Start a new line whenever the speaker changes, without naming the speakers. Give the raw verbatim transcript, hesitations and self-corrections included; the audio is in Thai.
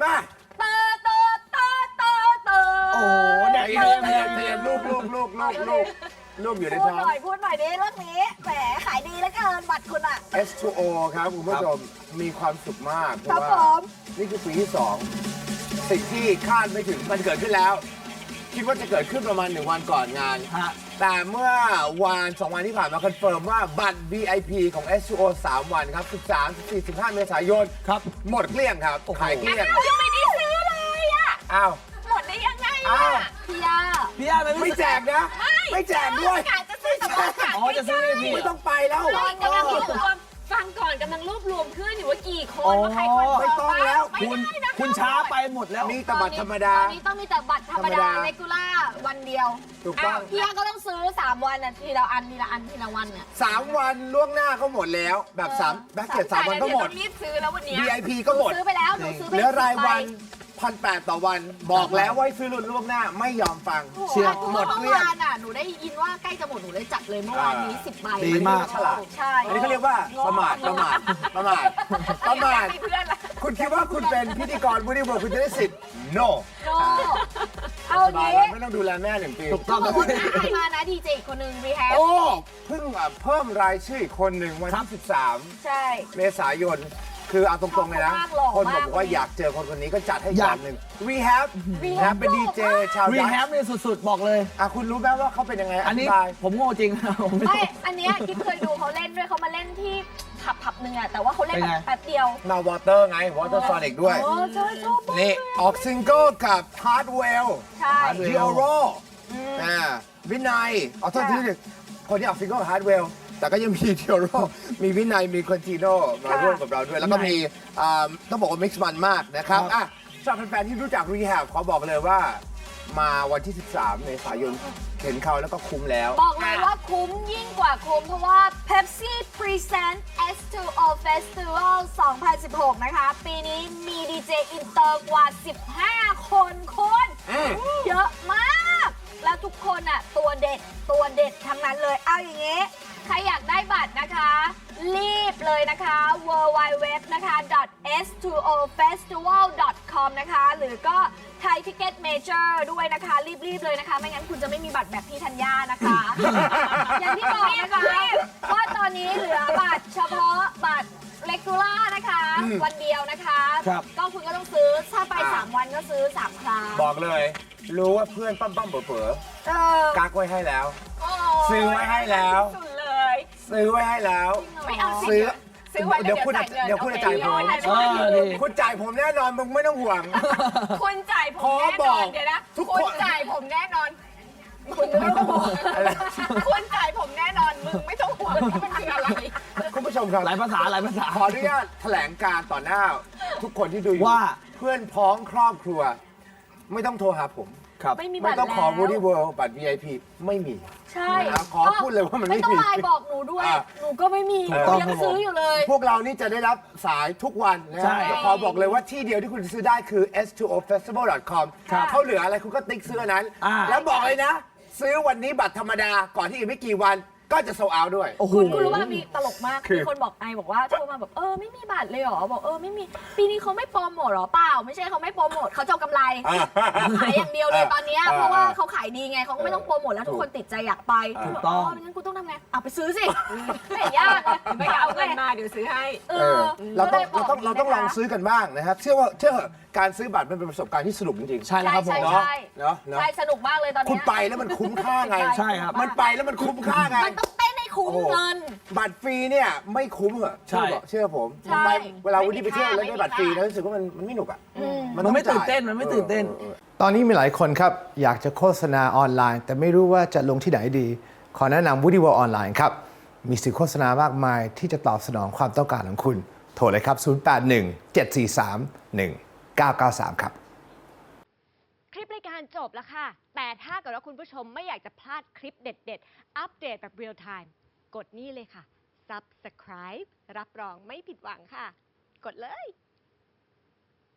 มา
เตอเตอเตอเตอเตอ
โอ้เนี่ยเตรียมเตรียมเตรียมลูกลูกลูกลูกลูกลูกอยู่ใน
พูด
ท้อง
หน่อยพูดหน่อยดิเรื่องนี้แหมขายดีแล้วเกินบัตรคุณอ่ะ
เอส ทู โอ ครับคุณผู้ชมมีความสุขมากเพ
ครับ
ราะ
ผ
ว่าม นี่คือปีที่สองสิ่งที่คาดไม่ถึงมันเกิดขึ้นแล้ว คิดว่าจะเกิดขึ้นประมาณหนึ่งวันก่อนงาน แต่เมื่อวันสองวันที่ผ่านมาคอนเฟิร์มว่าบัตร วี ไอ พี ของ เอส ทู โอ สามวันครับสิบสาม สิบสี่ สิบห้า เมษายนครับหมดเกลี้ยงครับขายเกลี้ยง
ยังไม่ได้ซื้อเลยอ่ะ
อ้าว
หมดได้ยังไง
อ้า
อ่ะ
ว
พี่ยา
พี่อาร์
ไม่แจกนะ ไม่แจกด้วย
กะจะซื้อแต่บัตร
อ๋อจะซื้อให้พี่
ไม่ต้องไปแล้ว
กำลังรวบรวมฟังก่อนกำลังรวบรวมเพื่อนอยู่ว่ากี่ค
อ๋
น
อ
ว่าใครคน
ไม่ต้องแล้ว
คุณคุณช้าไปหมดแล้ว
มีแต่บัตรธรรมดา
ตอนนี้ต้องมีแต่บัตรธรรมดา
ธรรมดา
เลกูล่าวันเดียว
ถูกต้อง
พี่ยาก็ต้องซื้อสามวันอ่ะทีละอันทีละอันทีละวันเนี่ย
สามวันล่วงหน้าก็หมดแล้ว แบบสามแบ็คเก็ตสามวันก็หมด
รีบซื้อแล้ววันเนี้ย
วี ไอ พี ก็หมด
ซื้อไปแล้วหนูซื้อไป
เหลือรายวัน
สิบใบ
พันแปดต่อวัน บอกแล้วว่าให้ซื้อล่วงหน้าไม่ยอมฟัง
เชื่อ
หมดเมื่อวานอ่ะหนูได้ยินว่าใกล้จะหมดหนูเลยจัดเลยเมื่อวานนี้สิบใบ
ดีมาก
ฉลาด
ใช่
อันนี้เขาเรียกว่าประมาทประมาทประมาทประมาท
มีเพื่อนละ
คุณคิดว่าคุณเป็นพิธีกรบูดี้เวิร์ดคุณจะได้สิทธิ์ no
โนเอา
สบาย
งี้
แล้วไม่ต้องดูแลแม่หนึ่งปี
ถูกต้องครับ
คนหน้าใครมานะดีเจคนหนึ่งรีแฮป
โอ้เพิ่งอ่ะเพิ่มรายชื่ออีกคนหนึ่งวันที่สิบสาม
ใช่
เมษายน คือเอาตรงๆเลยนะ
ชอบเขามากหล่อ
คนบอก
มาก
ว่าอยากเจอคนคนนี้ก็จัดให้
อยาก
อย่างหนึ่ง we have we have เป็นดีเจชาว
รี
ดั
แฮ
ช
ปเนี่ยสุดๆ บอกเลย
อ่ะคุณรู้ไหมว่าเขาเป็นยังไง
อันนี้
ธิบาย
ผมโง่จริง ผมไม่
ไม่ อันเนี้ยกิ๊บเคยดูเขาเล่นด้วยเขามาเล่นที่ผับผับหนึ่งอะแต่ว่าเขาเล่น
เป็น
แบ
ไง
บแป๊บเดียว
มาวอเตอร์ไงวอเตอร์ซอนิกด้วย
โอ้ใช่ชอบมาก
นี่ ออกซิงเกิลกับ Hardwell
ใช่
Hardwell
จิโอโรอ่าวินัยเอาโทษทีนึงคนที่ออกซิงเกิล Hardwell แต่ก็ยังมีจิโอโรมีวินัยมีคอนติโนมาร่วมกับเราด้วย แล้วก็มีอ่าต้องบอกว่ามิกซ์มันมากนะครับอ่ะสำหรับแฟนๆที่รู้จัก Rehab ขอบอกเลยว่ามาวันที่ สิบสาม เมษายนเห็นเขาแล้วก็คุ้มแล้ว
บอกเลยว่าคุ้มยิ่งกว่าคุ้มเพราะว่า Pepsi Present เอส ทู โอ Festival สองพันสิบหก นะคะ ปีนี้มีดีเจอินเตอร์กว่า สิบห้า คนคนเยอะมาก แล้วทุกคนอ่ะ ตัวเด็ดตัวเด็ดทั้งนั้นเลย เอาอย่างงี้ ใครอยากได้บัตรนะคะ รีบเลยนะคะ ดับเบิลยู ดับเบิลยู ดับเบิลยู นะคะ เอส ทู โอ เฟสติวัล ดอท คอม นะคะ หรือก็ไทยทิเก็ตเมเจอร์ด้วยนะคะ รีบ ๆ เลยนะคะ ไม่งั้นคุณจะไม่มีบัตรแบบพี่ธัญญานะคะ อย่างที่บอกนะคะว่าตอนนี้เหลือบัตรเฉพาะบัตรเลกูล่านะคะ วันเดียวนะคะ
ครับ
ก็คุณก็ต้องซื้อ ถ้าไป
อ่า
สาม วันก็ซื้อ สาม ครั้ง
บอกเลย รู้ว่าเพื่อนปั้มปั้มๆเป๋อเป๋อ
เออ
ๆกักไว้ให้แล้ว
โอ้
ซื้อไว้ให้แล้ว
สุดเลย
ซื้อไว้ให้แล้ว
ไม่เอาสิ
ซื้อ
ซื้อไว้
เดี๋ยวคุณ
จ่ายเงิน
เดี๋ยวคุณจะจ่ายผม
โอเค
เออดี
คุณจ่ายผมแน่นอนมึงไม่ต้องห่วง
คุณจ่ายผม
ขอ
แน่
บ
น
อ
อก นเดี๋ยวนะ
ทุกคน
คุณจ่ายผมแน่นอนคุณไม่ต้องห่วง
อะไร
คุณจ่ายผมแน่นอนมึงไม่ต้องห่วงว่ามันคืออะไร
คุณผู้ชมครับ
หลายภาษาหลายภาษา
ขออนุญาตแถลงการต่อหน้า ทุกคนที่ดูอยู่
ว่า
เพื่อนพ้องครอบครัว ไม่ต้องโทรหาผม
ครับ
ไม่มีบั
ไม่
ตร
ต้องขอ
แล้ว
Woody World บัตร วี ไอ พี ไม่มี
ใช่
นะครับขอพูดเลยว่ามันไม่
ไม่ต้อง
มี
ไลน์บอกหนูด้วย
อ่ะ
หนูก็ไม่มี
ถูกต้อง
ยัง
ครับผม
ซื้ออยู่เลย
พวกเรานี่จะได้รับสายทุกวันนะ
ใช่
ขอบอกเลยว่าที่เดียวที่คุณจะซื้อได้คือ เอส ทู โอ เฟสติวัล ดอท คอม
ครับ
เขาเหลืออะไรคุณก็ติ๊กซื้ออันนั้น
อ่า
แล้วบอกเลยนะ ซื้อวันนี้บัตรธรรมดาก่อนที่อีกไม่กี่วันก็จะโซเอาด้วย
โอ้โห
คุณคุณรู้ว่ามีตลกมาก
คือ
มีคนบอกไอบอกว่าโทรมาแบบเออไม่มีบัตรเลยเหรอบอกเออไม่มีปีนี้เขาไม่โปรโมทเหรอเปล่า ไม่ใช่เขาไม่โปรโมทเขาจะเอากำไรขายอย่างเดียวเลยตอนเนี้ย
อ่า
เพราะว่าเขาขายดีไงเขาก็ไม่ต้องโปรโมทแล้วทุกคนติดใจอยากไป
ถูกต้อง
งั้นกูต้องทำไงเอาไปซื้อสิไม่เห็นยากเลย
ไม่เอาเงินมาเดี๋ยวซื้อให้
เอ
เอ
อ
อเราต้อง
ก็
เราต้อง
ลยบก
เราต้องลอง
นะคะ
ซื้อกันบ้างนะครับ เชื่อว่าเชื่อเถอะการซื้อบัตรมันเป็นประสบการณ์ที่สนุกจริงๆ
ใช่แล้วครับผม
ใช่
เนาะ
ใช่
เนาะเนาะ
ใช่สนุกมากเลยตอน
คุ
เนี้
ณ
ย
ไปแล้วมันคุ้มค่าไง
ใช่ครับ
มันไปแล้วมันคุ้มค่าไง
มันต้องเต้นให้คุ้มเงิน
บัตรฟรีเนี่ยไม่คุ้มเหรอ
ใช่
เชื่อบอกเชื่อผม
ใช่
ไปเวลาวันนี้ไปเที่ยวแล้ว
ไม่
ได้
มี
บัตรฟรี
ค่า
แล้วรู้สึกว่ามันมันไม่หนุกอ่ะ
มัน
ต้อง
ไม่ตื่น
จ่าย
เต้นมันไม่ตื่นเต้น
ออออตอนนี้มีหลายคนครับอยากจะโฆษณาออนไลน์ แต่ไม่รู้ว่าจะลงที่ไหนดี ขอแนะนำ Woody World ออนไลน์ครับมีสื่อโฆษณามากมายที่จะตอบสนองความต้องการของคุณโทรเลยครับศูนย์ แปด หนึ่ง เจ็ด สี่ สาม หนึ่ง เก้า เก้า สามครับ
คลิปรายการจบแล้วค่ะ แต่ถ้าเกิดว่าคุณผู้ชมไม่อยากจะพลาดคลิปเด็ดๆ อัปเดตแบบเรียลไทม์ กดนี่เลยค่ะ Subscribe รับรองไม่ผิดหวังค่ะ กดเลย